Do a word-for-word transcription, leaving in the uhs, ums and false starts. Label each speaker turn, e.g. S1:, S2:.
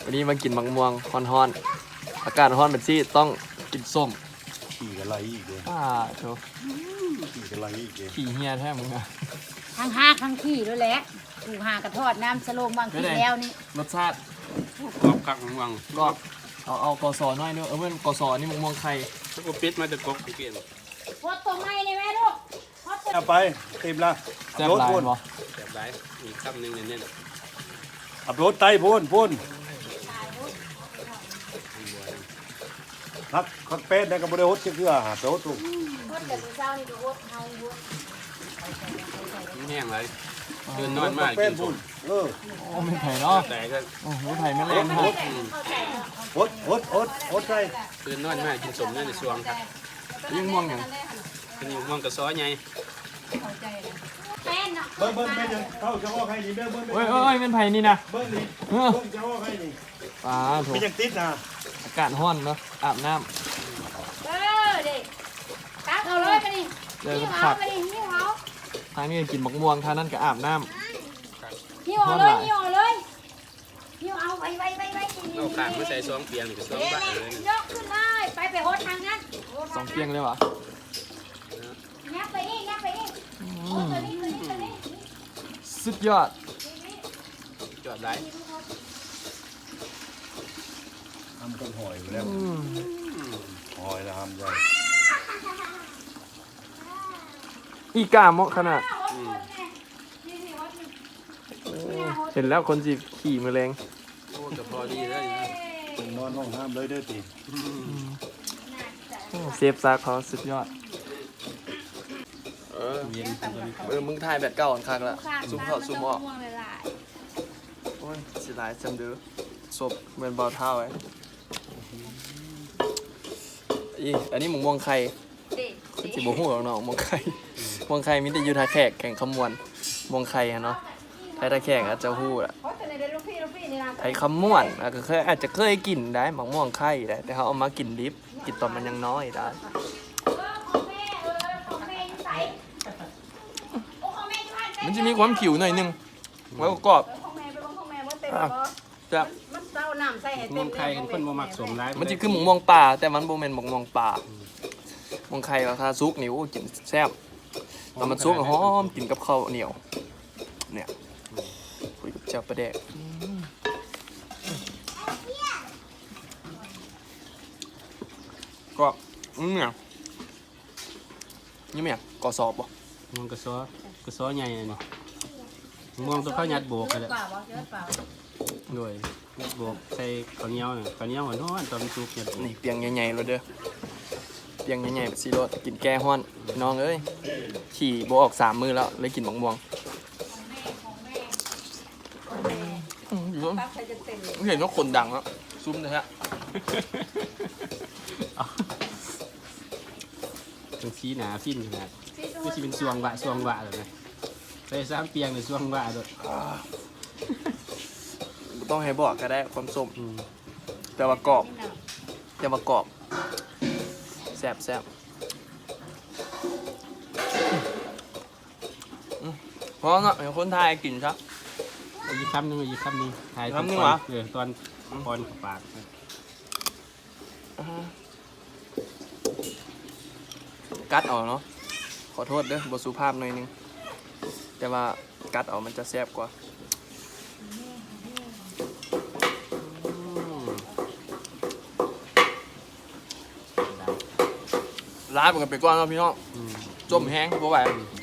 S1: วันนี้มากินมังม่วงฮ้อนๆอากาศฮ้อนแบบซี่ต้องกินส้ม
S2: ขี่กันไรอีกเลย
S1: อ่าโถ
S2: ขี่กันไรอีกเลย
S1: ขี่เฮียแท้มึงอะ
S3: ทั้งห้าทั้งขี้ด้วยแหละถูกหากระทอดน้ำสโลงบางทีแล้วนี่
S1: รสชาติ
S4: กรอบคักมังวัง
S1: ก็เอาเอากอสอน้อยเนอะเออเพื่อนกอสอนี่มังม่วงไข่
S4: ถ้ากูปิดมาจะกบเปลี่ยน
S3: พดตรงไหนนี่แม่ลูกพดตรง
S2: เอาไปเต็มละ
S1: แซ่บหลายบ่
S4: แบบไรมีคำหนึ่งเน้น
S2: อับรถไตพ่นพ่นพักพักเป็ดนะกับบริโภคเชื่อหาโต๊ะถูก
S3: พดแต่เช้านี่ก็พดเฮาพด
S4: ๆแห้งเลยเดินนอนมาก
S2: เป็
S4: กิ
S2: ด
S4: นส
S2: พ่
S4: ม
S2: นเออ
S1: โอ้ไม่ไผ่เนาะ
S4: แต่ก็
S1: โอ้ไม่ไผ่ไม่เล่นฮะ
S2: อดอดอดอดใส่
S4: เดินนอนมากกินสมนั่นในช่วงครับ
S1: ยิ่งม่วงอย่าง
S4: เป็นอยู่ม่วงกระซ้อไง
S3: แป้นเนาะ
S2: เบิ้งเบิ้งเป็นยังเข้าจะว่าใครนี่เบิ้งเบิ้ง
S1: เอ้ยเอ้ยเป็นไผ่นี่นะ
S2: เบิ้งนี่
S1: เออ
S2: เบิ้งจะว่าใครนี่
S1: ป้าโถ
S2: เป็นยังติดนะ
S1: อากาศฮ้อนเนาะอาบน้
S3: เออเด็กตักเอาเลยไปดิ
S1: ำเจอ
S3: หิ้ว
S1: กัน
S3: เอา
S1: ขัด
S3: ไปดิหิ้วเอา
S1: ทางนี้ก็กินมังม่วงทางนั้นก็อาบน้
S3: หิ้วเอาเลยหิ้วเอาเลยหิ้วเอาไปไปไปไป
S4: เอาขางมาใส่ซองเปียงนี่ก็ซองบ้าเลย
S3: ยกขึ้นเลยไปไปโฮดทางนั้น
S1: ำสองเปียงเลยวะ
S3: ยับไปนี่ยับไปนี่โอ้ตัวนี้ตัวนี้ตัวนี้
S1: สุดยอด
S4: จอดไร
S2: ทำต้นหอยอยู่แล้ว
S1: อืม
S2: หอยนะทำใจ
S1: อีกาเหมาะขนาดเห็นแล้วคนจีบขี่มือแรง
S4: โอ้ก็พอดีแล้ว
S2: นอนห้องห้ามเลยเด้อตี
S1: โอ้เซฟซากเขาสุดยอดเออ
S4: เย็นตัวนี้
S1: เออมึงถ่ายแบบเก่าอันคักละซูมเข้าซูมออก
S3: ม่วงเลยล่ะ
S1: โอ้ยสิหลายจำเดือศพเหมือนเบาเท้าไว้อีอันนี้หมูม่วงไข่
S3: เด็ก
S1: คือจิบหัวของน้องม่วงไข่ม่วงไข่มิแต่อยูทาแขกแข่งขมวนม่วงไข่ฮะเนาะไทยทาแขกอาจจะหู้ละ
S3: เพราะแต่ในเด็กลูกพี่ลูกพี่นี่นะ
S1: ไทยขมวนอ่ะก็เคยอาจจะเคยกินได้หมักม่วงไข่ได้แต่เขาเอามากินดิบกินตอนมันยังน้อยได้
S3: เออของแม่เออของแม่อยู่ใส่โอ้ของแม่อยู่บ้านแม่
S1: มันจะมีความผิวหน่อยนึงแล้วก็กรอบ
S3: ของแม่ไปของของแม่ว่าเต็ม
S1: อ่ะ
S3: บ่
S1: จะ
S3: มันเต้าน้ำใส่ให้
S4: ม่
S3: เต็
S4: ว
S3: ม
S4: งไข่กันคนบ่มักสมร้าย
S1: มันจะคือหมูม่วงป่าแต่มันโบแมนหมูม่วงป่าม่วงไข่ราคาซุกนิ้วกินแซ่บแต่มันซุกหอมกินกับข้าวเหนียวเนี่ยคุยกับเจ้าประเดกก็อืมเนี่ยนี่เนี่ยกอสอบบ่
S4: ม่วงกระซ้อกระซ้อใหญ่นี่ม่วงตัวข้าวยัดโบกกันเลย
S3: เปล่าวะเยอะเปล่า
S4: ด้วยยัดโบกใส่ข้าวเหนียวข้าวเหนียวหวานๆตอนมันสุกยัดโบก
S1: นี่เปียงใหญ่ๆเลยเด้อเปียงใหญ่ๆแบบซีโรสกินแก้ห้อนน้องเอ้ยขี่โบออกสามมือแล้วเลยกินบางบวงอืมอยู่
S3: ปั๊บใครจะเต็มเลย
S1: เห็นว่าคนดังแล้วซุ้มนะฮะ
S4: เป็นสีหนาฟินขนาดก็จะเป็นสวงวะสวงวะเลยนะใส่สามเปียงเลยสวงวะด้วย
S1: ต้องให้บอกก็ได้ความส้ม
S4: อืม
S1: แต่ว่ากรอบแต่ว่ากรอบแซ่บแซ่บอืมเพราะเนาะเห็นคนไทยกินครับ
S4: เอาอีกคำหนึงเอาอีกคำหนึงถ่าย
S1: คำหนึ่ง
S4: ตอ
S1: เหรอ
S4: เออตอนตอนปาก
S1: กัดเอาเนาะขอโทษเด้อบทสุภาพหน่อยนึงแต่ว่ากัดเอามันจะแซ่บกว่า ร้านมันกันไปก่อนเนาะพี่น้อง
S4: อืม
S1: จมแห้งเพราะว่า
S4: อืม